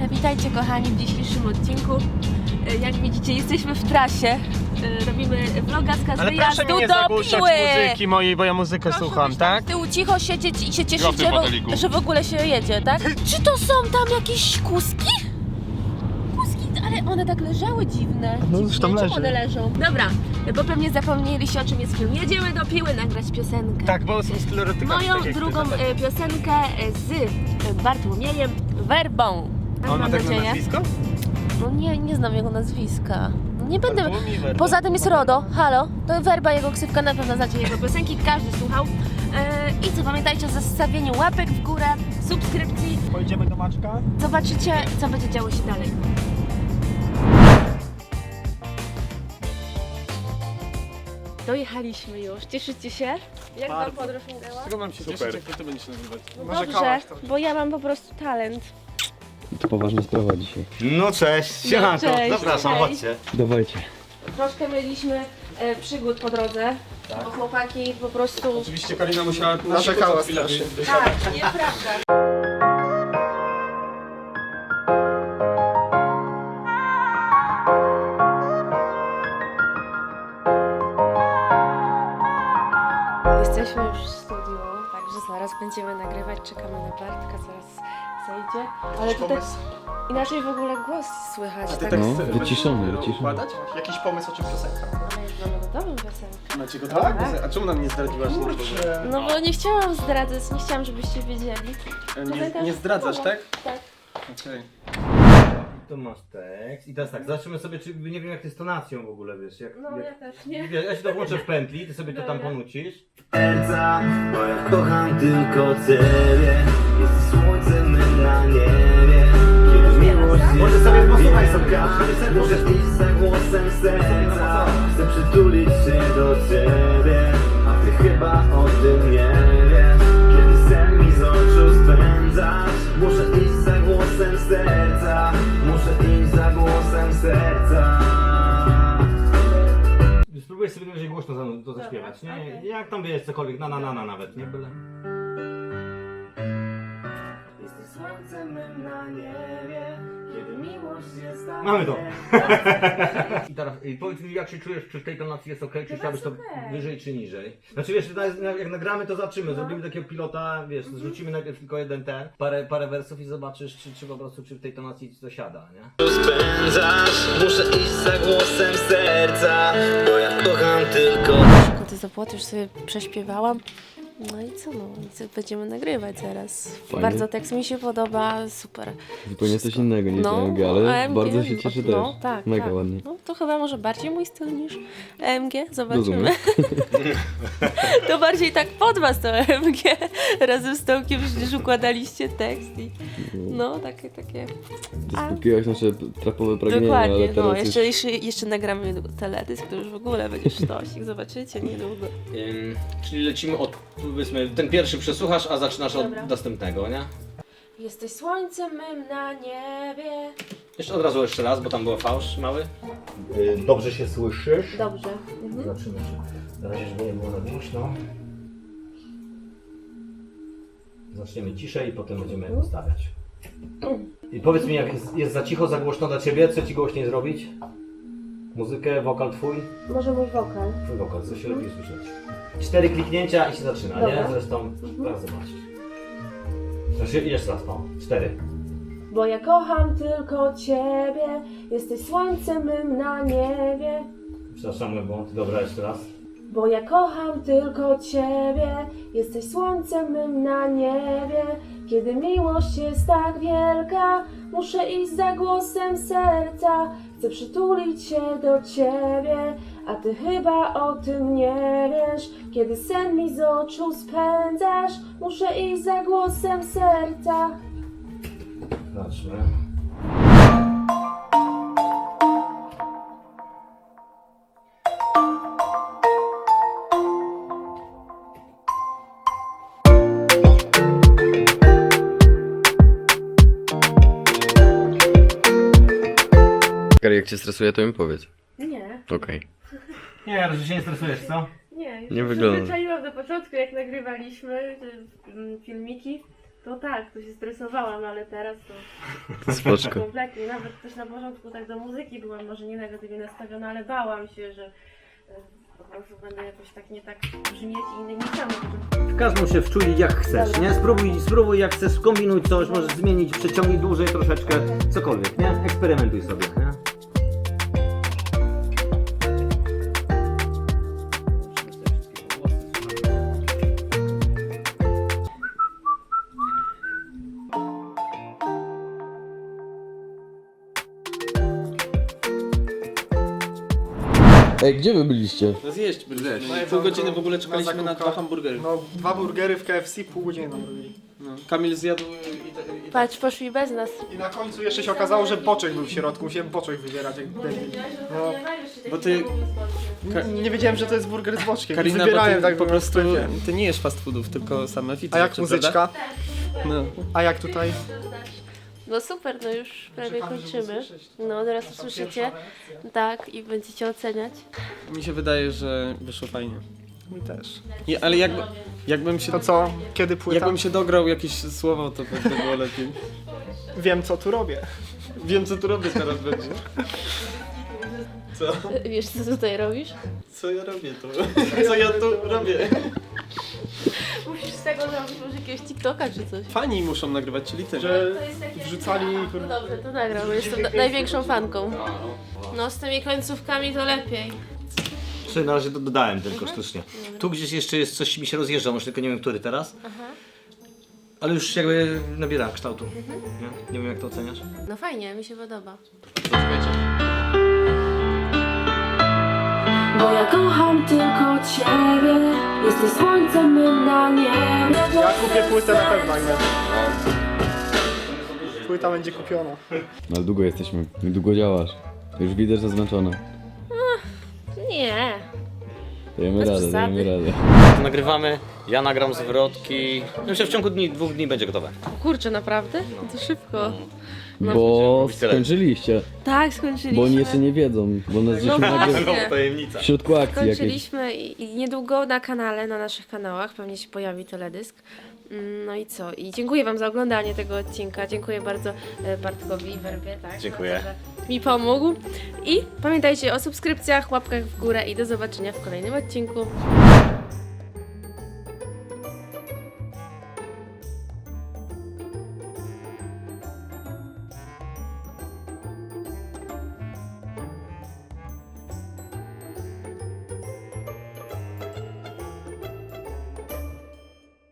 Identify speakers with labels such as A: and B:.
A: Witajcie kochani w dzisiejszym odcinku. Jak widzicie, jesteśmy w trasie. Robimy vloga z
B: Ale
A: wyjazdu
B: proszę mi nie
A: do
B: zagłuszać
A: Piły.
B: muzyki mojej, bo ja muzykę
A: Proszę
B: słucham,
A: być tam
B: tak?
A: z tyłu cicho siedzieć i się cieszycie,
C: foteliku.
A: że w ogóle się jedzie, tak? Czy to są tam jakieś kuski? Kuski, ale one tak leżały dziwne.
B: No,
A: Dziwnie,
B: zresztą
A: czemu
B: leży.
A: one leżą? Dobra, bo pewnie zapomnieliście, o czym jest film. Jedziemy do Piły nagrać piosenkę.
B: Tak, bo są stereotypy.
A: Moją
B: tak jak ty,
A: drugą
B: tak.
A: piosenkę z Bartłomiejem Werbą.
B: A on ma
A: Mam
B: tak na
A: nadzieję.
B: nazwisko?
A: No nie znam jego nazwiska. No nie będę.
B: Bartłomiej Werba.
A: Poza tym jest RODO, halo. To Werba, jego ksywka, na pewno znacie jego piosenki, każdy słuchał. I co, pamiętajcie o zostawieniu łapek w górę, subskrypcji.
B: Pojedziemy do Maczka?
A: Zobaczycie, co będzie działo się dalej. Dojechaliśmy już, cieszycie się? Jak wam
B: Bardzo.
A: podróż minęła?
B: Czego mam się
C: Super.
B: cieszyć, jak ty będziesz nagrywać?
A: No
B: Może
A: dobrze,
B: kałasz to.
A: bo ja mam po prostu talent.
D: To poważna sprawa dzisiaj.
C: No cześć, siemanko,
A: cześć,
C: zapraszam,
A: cześć.
C: chodźcie.
D: Dawajcie.
A: Troszkę mieliśmy przygód po drodze, bo chłopaki po prostu...
B: Oczywiście Karina musiała
E: Narzekała
B: chwilę
E: strasznie.
B: wysiadać.
A: Tak, nieprawda. Jesteśmy już w studiu, także zaraz będziemy nagrywać, czekamy na Bartka, zaraz zejdzie. Ale tutaj inaczej w ogóle głos słychać.
E: A ty
A: tak?
E: tak
D: No,
E: chcesz
D: wyciszony.
E: układać? Jakiś pomysł, o czym piosenka?
A: Ale już mamy gotową piosenkę.
B: Macie go tak? A czemu nam nie zdradziłaś?
A: No bo nie chciałam zdradzać, nie chciałam, żebyście wiedzieli.
B: Nie zdradzasz, tak?
A: Tak.
B: Okej.
C: Tu masz tekst i teraz tak, zobaczymy sobie, czy nie wiem jak ty z tonacją w ogóle, wiesz, jak...
A: No ja też nie.
C: Wiesz, ja się to włączę w pętli, ty sobie to tam
A: Dobra.
C: ponucisz.
F: Serca, bo ja kocham tylko Ciebie. Jesteś słońcem mym na niebie. Kiedy miłość jest
C: Może sobie
F: tak
C: posłuchaj sobie.
F: wielka, muszę iść za głosem serca. Chcę przytulić się do Ciebie, a Ty chyba o tym nie wiesz. Kiedy sen mi z oczu spędzasz, muszę iść za głosem serca. Muszę iść za głosem serca.
C: Spróbuję sobie najwyżej głośno to zaśpiewać, nie?
A: okej.
C: Jak tam wiesz, cokolwiek, na nawet, nie? Byle.
F: Jesteś słońcem mym na niebie, kiedy miłość jest tak
C: Mamy to.
F: wielka.
C: I teraz powiedz mi, jak się czujesz, czy w tej tonacji jest ok, czy
A: Chyba
C: chciałbyś to
A: jest okej.
C: wyżej czy niżej? Znaczy wiesz, jak nagramy to zobaczymy, zrobimy takiego pilota, wiesz, zrzucimy najpierw tylko jeden parę wersów i zobaczysz, czy po prostu, czy w tej tonacji ci to siada, nie?
F: Spędzasz, muszę iść za głosem serca, bo ja kocham tylko.
A: Koty zapłoty już sobie prześpiewałam. No i co, no, będziemy nagrywać zaraz.
D: Fajnie.
A: Bardzo tekst mi się podoba, super.
D: Zupełnie coś innego niż AMG,
A: a
D: ale
A: AMG,
D: bardzo się cieszę
A: no,
D: też.
A: tak,
D: Mega
A: tak.
D: ładnie.
A: No to chyba może bardziej mój styl niż AMG, zobaczymy.
D: Rozumiem.
A: To bardziej tak pod was to AMG. Razem z Tomkiem przecież układaliście tekst i no takie.
D: Zaspokoiłaś nasze trapowe pragnienia,
A: Dokładnie,
D: ale
A: no
D: teraz
A: jeszcze nagramy niedługo teledysk, to już w ogóle będzie sztosik, zobaczycie niedługo.
C: Czyli lecimy od, powiedzmy, ten pierwszy przesłuchasz, a zaczynasz
A: Dobra.
C: od następnego, nie?
A: Jesteś słońcem mym na niebie.
C: Jeszcze od razu jeszcze raz, bo tam był fałsz mały. Dobrze się słyszysz?
A: Dobrze.
C: Zobaczymy, czy na razie, żeby nie było za głośno. Zaczniemy ciszej i potem będziemy ustawiać. I powiedz mi, jak jest za cicho, za głośno dla Ciebie, co Ci głośniej zrobić? Muzykę, wokal Twój?
A: Może mój wokal.
C: Twój wokal, co się lepiej słyszeć? 4 kliknięcia i się zaczyna,
A: Dobra.
C: nie? Zresztą, zaraz zobaczysz. Znaczy, jeszcze raz, 4.
A: Bo ja kocham tylko ciebie, jesteś słońcem mym na niebie.
C: Przepraszam, mój błąd. Dobra, jeszcze raz.
A: Bo ja kocham tylko ciebie, jesteś słońcem mym na niebie. Kiedy miłość jest tak wielka, muszę iść za głosem serca. Chcę przytulić się do ciebie, a ty chyba o tym nie wiesz. Kiedy sen mi z oczu spędzasz, muszę iść za głosem serca.
C: Zobaczmy.
D: Kari, jak cię stresuje, to mi powiedz.
A: Nie,
D: Okej.
C: Nie, że się nie stresujesz, co?
A: nie.
D: Nie wygląda.
A: Przyzwyczaiłam do początku, jak nagrywaliśmy te filmiki, To tak, to się stresowałam, ale teraz to
D: Spoczko.
A: kompletnie. Nawet też na początku tak do muzyki byłam może nie negatywnie nastawiona, ale bałam się, że po prostu będę jakoś tak nie tak brzmieć i nie chciałam na początku.
C: Każą się wczulić jak chcesz, nie? Spróbuj jak chcesz, kombinuj coś, możesz zmienić, przeciągnij dłużej troszeczkę, cokolwiek, nie? Eksperymentuj sobie, nie?
D: Ej, gdzie wy byliście?
B: No zjeść byliśmy. Pół godziny w ogóle czekaliśmy na 2 hamburgery.
E: No, 2 burgery w KFC, pół godziny nam robili.
B: No. Kamil zjadł i
A: Patrz, poszli bez nas.
E: I na końcu jeszcze się okazało, że boczek był w środku. Musiałem boczek wybierać jak debil. No.
B: Bo ty,
E: Nie wiedziałem, że to jest burger z boczkiem.
B: Karina, bo
E: Wybierałem
B: ty
E: tak
B: po prostu,
E: w sklepie.
B: ty nie jesz fast foodów, tylko same fit
E: A jak
B: rzeczy,
E: muzyczka?
B: prawda? No.
E: A jak tutaj?
A: No super, no już prawie
E: Czekamy, żeby
A: kończymy.
E: usłyszeć.
A: No teraz usłyszycie. Tak, i będziecie oceniać.
B: Mi się wydaje, że wyszło fajnie.
E: Mi też.
B: Ale jakbym się...
E: To co? Kiedy płyta?
B: Jakbym się dograł jakieś słowo, to by było lepiej.
E: Wiem co tu robię.
B: Wiem, co tu robię teraz będzie. Co?
A: Wiesz, co tutaj robisz?
B: Co ja robię tu? Co ja tu robię?
A: Musisz z tego zrobić może jakiegoś TikToka czy coś.
B: Fani muszą nagrywać, czyli ty.
E: Że wrzucali...
A: No dobrze, to nagram, bo jestem największą fanką. No z tymi końcówkami to lepiej.
C: Czyli na razie to dodałem tylko sztucznie. Tu gdzieś jeszcze jest coś mi się rozjeżdża, może tylko nie wiem który teraz. Ale już jakby nabiera kształtu. Nie wiem jak to oceniasz.
A: No fajnie, mi się podoba. Bo ja kocham tylko Ciebie, jesteś słońcem mym na niebie.
E: Ja kupię płytę na pewno, nie? Płyta będzie kupiona.
D: No ale długo jesteśmy, długo działasz. Już widzę, że zmęczona.
A: Nie.
D: Dajemy
A: Bez
D: radę,
A: przesady.
D: dajemy radę.
C: Nagrywamy, ja nagram zwrotki. Myślę, w ciągu 2 dni będzie gotowe.
A: Kurczę, naprawdę? To szybko.
D: Bo
C: mówić tyle.
D: skończyliście,
A: Tak, skończyliśmy.
D: bo oni jeszcze nie wiedzą, bo nas żeśmy nagle
C: Tajemnica.
D: w środku akcji jakiejś.
A: Skończyliśmy i niedługo na kanale, na naszych kanałach pewnie się pojawi teledysk. No i co? I dziękuję Wam za oglądanie tego odcinka. Dziękuję bardzo Bartkowi i Werbie, tak?
C: Dziękuję.
A: Za to, że mi pomógł. I pamiętajcie o subskrypcjach, łapkach w górę i do zobaczenia w kolejnym odcinku.